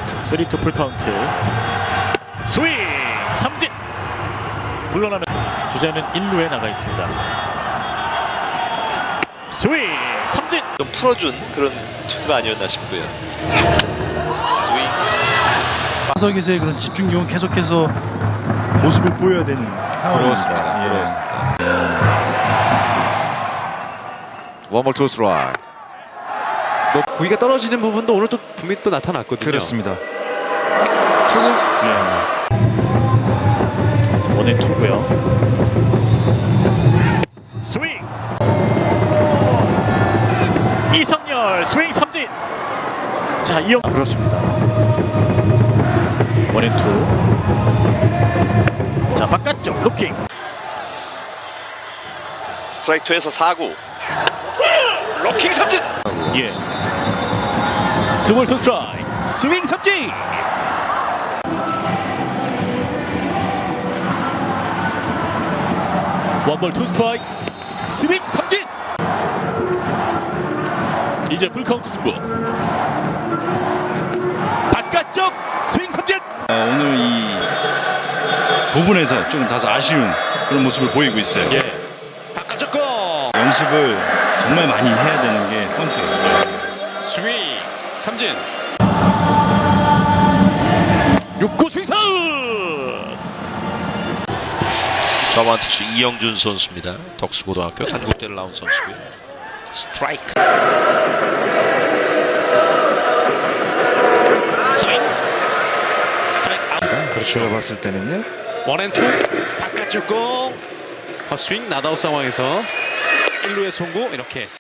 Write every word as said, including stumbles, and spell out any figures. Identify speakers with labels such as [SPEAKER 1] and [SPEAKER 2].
[SPEAKER 1] 쓰리 투 풀카운트. 스윙 삼진. 물러나면 주자는 일 루에 나가 있습니다. 스윙 삼진.
[SPEAKER 2] 좀 풀어준 그런 투가 아니었나 싶고요. 스윙.
[SPEAKER 3] 타석에서의 그런 집중력은 계속해서 모습을 보여야 되는 상황입니다. 예.
[SPEAKER 4] 원볼 투 스트라이크. 뭐 구위가 떨어지는 부분도 오늘 또 분명히 또 나타났거든요.
[SPEAKER 3] 그렇습니다.
[SPEAKER 1] 네. 원앤 투고요. 스윙. 이성열 스윙 삼진. 자, 이영 그렇습니다. 원앤 투. 자, 바깥쪽 루킹.
[SPEAKER 2] 스트라이크 투에서 사 구. 로킹 삼진.
[SPEAKER 1] 예. 투볼 투 스트라이크. 스윙 삼진. 원볼 투 스트라이크. 스윙 삼진. 이제 풀카운트 승부. 바깥쪽 스윙 삼진.
[SPEAKER 3] 어, 오늘 이 부분에서 좀 다소 아쉬운 그런 모습을 보이고 있어요.
[SPEAKER 1] 예. 바깥쪽 거.
[SPEAKER 3] 연습을 정말 많이 해야 되는 게 포인트예요.
[SPEAKER 4] 스윙 삼진.
[SPEAKER 1] 육 구 스윙 사웃.
[SPEAKER 2] 저번 투수 이영준 선수입니다. 덕수고등학교 한국대를 나온 선수고요. 스트라이크. 스윙. 스트라이크 아웃.
[SPEAKER 3] 그렇죠. 제가 봤을 때는요.
[SPEAKER 4] 원앤투 바깥쪽 공. 헛스윙 나다웃 상황에서 일 루의 송구 이렇게